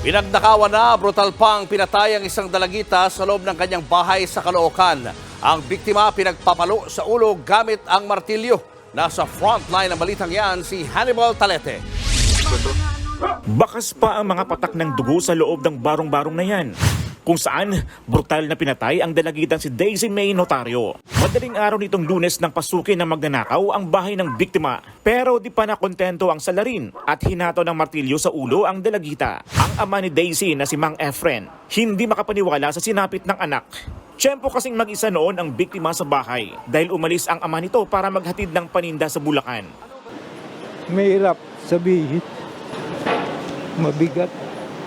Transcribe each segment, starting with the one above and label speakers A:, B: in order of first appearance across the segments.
A: Pinagnakawan na brutal pang pinatay ang isang dalagita sa loob ng kanyang bahay sa Caloocan. Ang biktima pinagpapalo sa ulo gamit ang martilyo. Nasa frontline ng balitang yan si Hannibal Talete.
B: Bakas pa ang mga patak ng dugo sa loob ng barong-barong na yan, kung saan brutal na pinatay ang dalagitang si Daisy May Notario. Madaling araw nitong Lunes nang pasukin ng magnanakaw ang bahay ng biktima. Pero di pa nakontento ang salarin at hinato ng martilyo sa ulo ang dalagita. Ang ama ni Daisy na si Mang Efren, hindi makapaniwala sa sinapit ng anak. Tiyempo kasing mag-isa noon ang biktima sa bahay dahil umalis ang ama nito para maghatid ng paninda sa Bulacan.
C: Mahirap sabihin. Mabigat.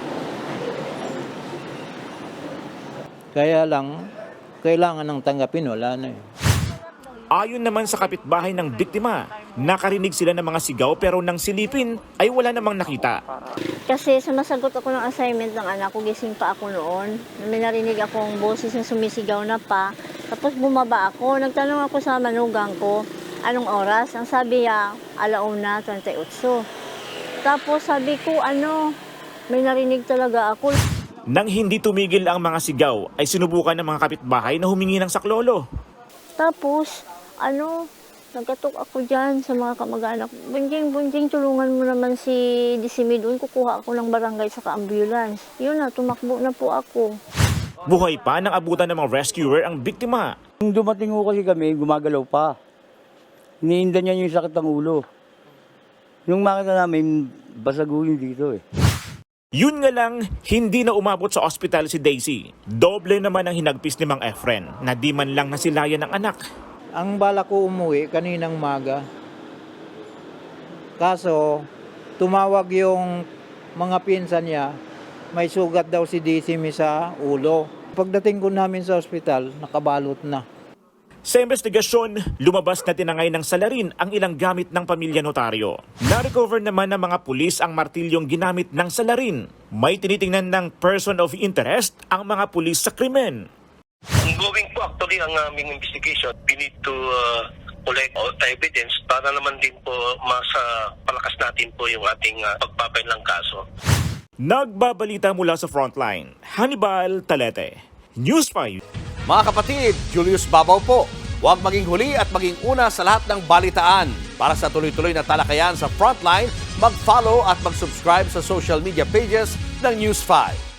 C: Kaya lang, kailangan ng tanggapin, wala na eh.
B: Ayon naman sa kapitbahay ng biktima, nakarinig sila ng mga sigaw pero nang silipin ay wala namang nakita.
D: Kasi sumasagot ako ng assignment ng anak ko, gising pa ako noon. May narinig akong boses na sumisigaw na pa. Tapos bumaba ako, nagtanong ako sa manugang ko, anong oras? Ang sabi niya, 1:38. Tapos sabi ko, may narinig talaga ako.
B: Nang hindi tumigil ang mga sigaw, ay sinubukan ng mga kapitbahay na humingi ng saklolo.
D: Tapos, nagkatok ako dyan sa mga kamag-anak. Bunjing, tulungan mo naman si Disimi doon. Kukuha ako ng barangay sa ambulance. Yun na, tumakbo na po ako.
B: Buhay pa nang abutan ng mga rescuer ang biktima.
C: Nung dumating ko kasi kami, gumagalaw pa. Iniinda niya yung sakit ng ulo. Nung makita namin, basaguhin dito eh.
B: Yun nga lang, hindi na umabot sa ospital si Daisy. Doble naman ang hinagpis ni Mang Efren na di man lang nasilayan ng anak.
E: Ang bala ko umuwi kaninang maga. Kaso, tumawag yung mga pinsan niya, may sugat daw si Disimi sa ulo. Pagdating ko namin sa ospital, nakabalot na.
B: Sa investigasyon, lumabas na tinangay ng salarin ang ilang gamit ng pamilya Notario. Na-recover naman ng mga pulis ang martilyong ginamit ng salarin. May tinitingnan ng person of interest ang mga pulis sa krimen.
F: Ongoing po actually ang aming investigation. We need to collect all the evidence para naman din po palakas natin po yung ating pagpapailang kaso.
B: Nagbabalita mula sa frontline, Hannibal Talete, News 5.
A: Mga kapatid, Julius Babaw po. Huwag maging huli at maging una sa lahat ng balitaan. Para sa tuloy-tuloy na talakayan sa Frontline, mag-follow at mag-subscribe sa social media pages ng News 5.